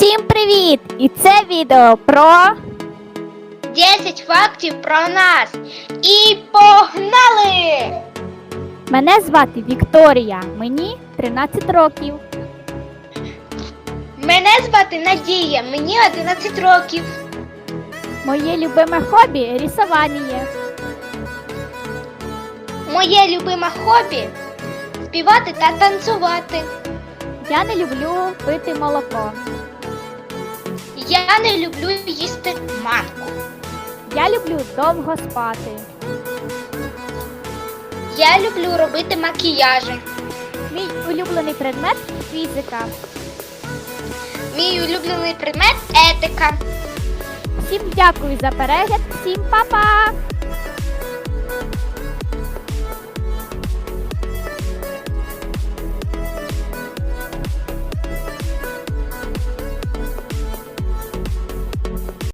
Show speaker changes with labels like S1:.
S1: Всім привіт! І це відео про
S2: 10 фактів про нас. І погнали!
S1: мене звати Вікторія, мені 13 років.
S2: Мене звати Надія, мені 11 років.
S1: Моє любиме хобі рисування.
S2: Моє любиме хобі співати та танцювати.
S1: Я не люблю пити молоко.
S2: Я не люблю їсти манку.
S1: Я люблю довго спати.
S2: Я люблю робити макіяжі.
S1: Мій улюблений предмет фізика.
S2: Мій улюблений предмет етика.
S1: Всім дякую за перегляд, всім па-па!